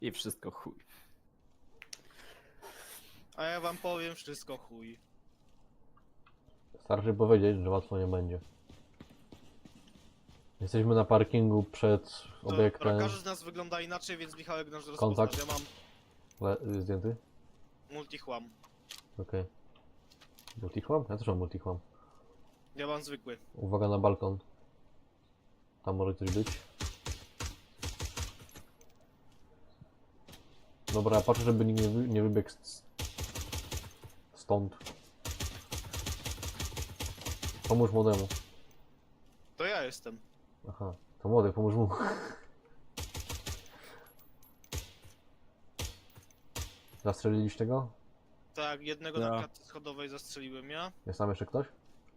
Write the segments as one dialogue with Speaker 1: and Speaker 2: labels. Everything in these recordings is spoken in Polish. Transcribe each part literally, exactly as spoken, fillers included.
Speaker 1: I wszystko chuj.
Speaker 2: A ja wam powiem wszystko chuj.
Speaker 3: Starczy powiedzieć, że łatwo nie będzie. Jesteśmy na parkingu przed
Speaker 2: Dobra,
Speaker 3: obiektem.
Speaker 2: każdy z nas wygląda inaczej, więc Michałek nas
Speaker 3: Kontakt.
Speaker 2: rozpoznasz. Ja mam
Speaker 3: Le zdjęty?
Speaker 2: multichłam.
Speaker 3: Okej. Okay. Multichłam? Ja też mam multichłam.
Speaker 2: Ja mam zwykły.
Speaker 3: Uwaga na balkon. Tam może coś być. Dobra, patrzę, żeby nikt nie, wy nie wybiegł z... stąd. Pomóż młodemu.
Speaker 2: To ja jestem.
Speaker 3: Aha, to młody, pomóż mu. Zastrzeliliście go?
Speaker 2: Tak, jednego
Speaker 1: Ja.
Speaker 2: na klatce schodowej zastrzeliłem ja.
Speaker 3: Jest tam jeszcze ktoś?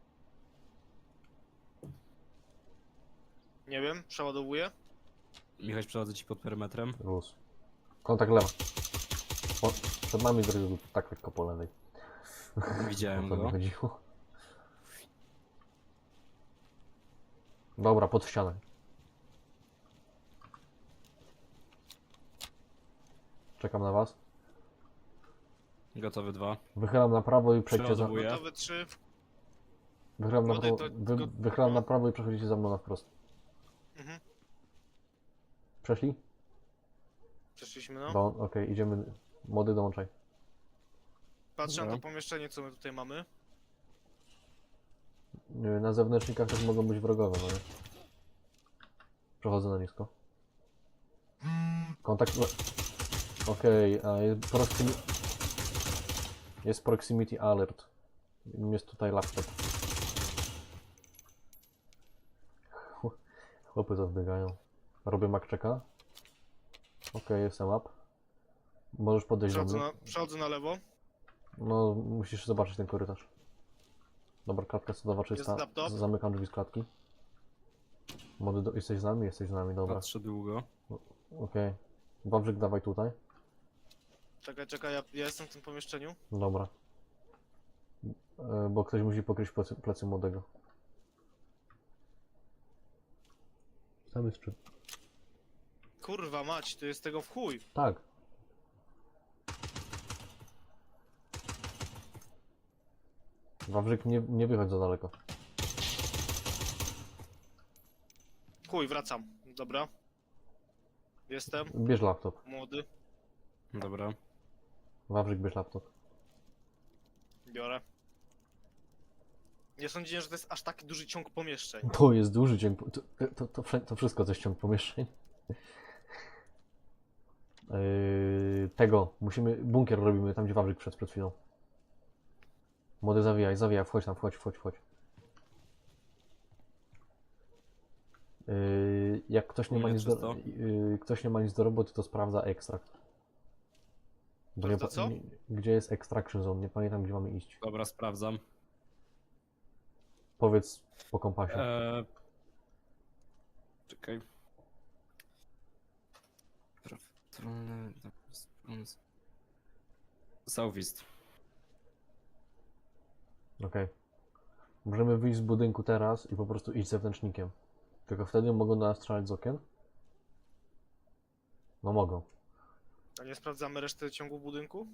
Speaker 2: Nie wiem, przeładowuję.
Speaker 1: Michał, przechodzę ci pod perymetrem.
Speaker 3: Luz. Kontakt lewa. O, przed nami zrobił tak lekko po lewej.
Speaker 1: Widziałem
Speaker 3: O to mi
Speaker 1: go.
Speaker 3: chodziło. Dobra, pod ścianę. Czekam na was.
Speaker 1: Gotowy dwa.
Speaker 3: Wychylam na prawo i przejdźcie za...
Speaker 1: Przeładowuję.
Speaker 2: Gotowy trzy.
Speaker 3: Wychylam na
Speaker 2: Młody,
Speaker 3: prawo,
Speaker 2: to-
Speaker 3: wy...
Speaker 2: go-
Speaker 3: Wychylam
Speaker 2: no.
Speaker 3: na prawo i przechodzicie za mną na wprost.
Speaker 2: Mhm.
Speaker 3: Przeszli?
Speaker 2: Przeszliśmy no.
Speaker 3: Do... Okej, okay, idziemy. Młody, dołączaj.
Speaker 2: Patrzę na
Speaker 1: Dobra.
Speaker 2: to pomieszczenie, co my tutaj mamy.
Speaker 3: Yy, Na zewnętrznikach też mogą być wrogowie, no nie? Przechodzę na nisko. Kontakt... Okej, okay, a jest proximi... Jest proximity alert. Jest tutaj laptop. Chłopy zawbiegają. Robię makczeka. Okej, okay, jestem up. Możesz podejść do
Speaker 2: Przechodzę
Speaker 3: mnie.
Speaker 2: na, przechodzę na lewo.
Speaker 3: No, musisz zobaczyć ten korytarz. Dobra, klatka sodowa czysta.
Speaker 2: Jest laptop.
Speaker 3: Zamykam drzwi z klatki. Młody, do... jesteś z nami? Jesteś z nami, dobra.
Speaker 1: Patrzę długo.
Speaker 3: Okej. Okay. Wawrzyk, dawaj tutaj.
Speaker 2: Czekaj, czekaj, ja, ja jestem w tym pomieszczeniu.
Speaker 3: Dobra. E, bo ktoś musi pokryć plecy, plecy młodego. Tam jest czy...
Speaker 2: Kurwa mać, to jest tego w chuj.
Speaker 3: Tak. Wawrzyk, nie, nie wychodź za daleko.
Speaker 2: Chuj, wracam. Dobra. Jestem.
Speaker 3: Bierz laptop.
Speaker 2: Młody.
Speaker 1: Dobra.
Speaker 3: Wawrzyk, bierz laptop.
Speaker 2: Biorę. Nie sądziłem, że to jest aż taki duży ciąg pomieszczeń.
Speaker 3: To jest duży ciąg... To, to, to, wsze- to wszystko to jest ciąg pomieszczeń. Yy, tego. Musimy... Bunkier robimy tam, gdzie Wawrzyk przed, przed chwilą. Młody, zawijaj, zawijaj. Wchodź tam, wchodź, wchodź, wchodź. Yy, jak ktoś nie,
Speaker 1: U
Speaker 3: ma
Speaker 1: mnie
Speaker 3: nic do,
Speaker 1: czysto.
Speaker 3: yy, ktoś nie ma nic do roboty, to sprawdza ekstrakt. Bo nie,
Speaker 2: Sprawdza
Speaker 3: pa-
Speaker 2: co?
Speaker 3: nie, gdzie jest extraction zone? Nie pamiętam, gdzie mamy iść.
Speaker 1: Dobra, sprawdzam.
Speaker 3: Powiedz po kompasie.
Speaker 1: Eee... Czekaj. Prawdopodobnie... Southeast.
Speaker 3: Okej. Możemy wyjść z budynku teraz i po prostu iść zewnętrznikiem. Tylko wtedy mogą do nas strzelać z okien? No mogą.
Speaker 2: A nie sprawdzamy reszty ciągu budynku?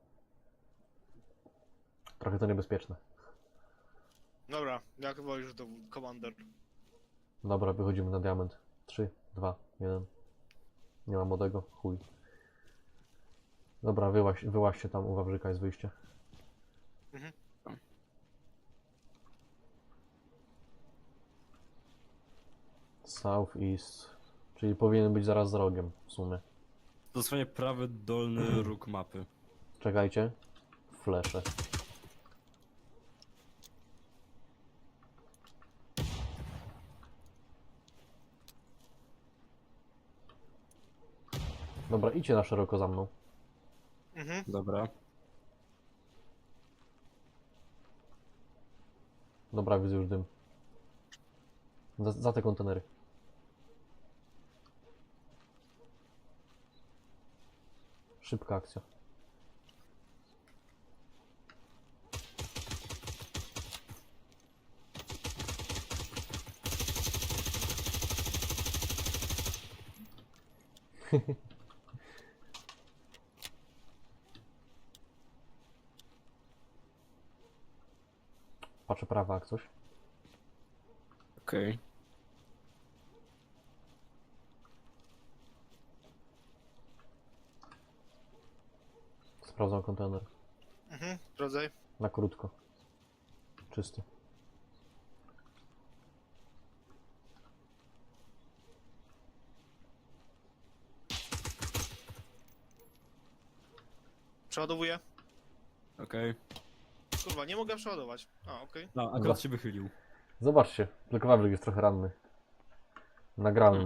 Speaker 3: Trochę to niebezpieczne.
Speaker 2: Dobra, jak wolisz do komander.
Speaker 3: Dobra, wychodzimy na diament. trzy, dwa, jeden. Nie ma młodego? Chuj. Dobra, wyłaź, wyłaźcie tam, u Wawrzyka jest wyjście.
Speaker 2: Mhm.
Speaker 3: Southeast. Czyli powinien być zaraz za rogiem, w sumie.
Speaker 1: Dosłownie prawy dolny róg mapy.
Speaker 3: Czekajcie. Flesze. Dobra, idźcie na szeroko za mną.
Speaker 2: Mhm.
Speaker 1: Dobra.
Speaker 3: Dobra, widzę już dym. Za, za te kontenery. Szybka akcja. Patrzę prawa jak coś.
Speaker 1: Okej.
Speaker 3: Sprawdzam kontener.
Speaker 2: Mhm, sprawdzaj.
Speaker 3: Na krótko. Czysty.
Speaker 2: Przeładowuję.
Speaker 1: Okej.
Speaker 2: Kurwa, nie mogę przeładować. A, okej.
Speaker 1: No, akurat się wychylił.
Speaker 3: Zobaczcie, tylko Wawrzyk jest trochę ranny. Nagrałem.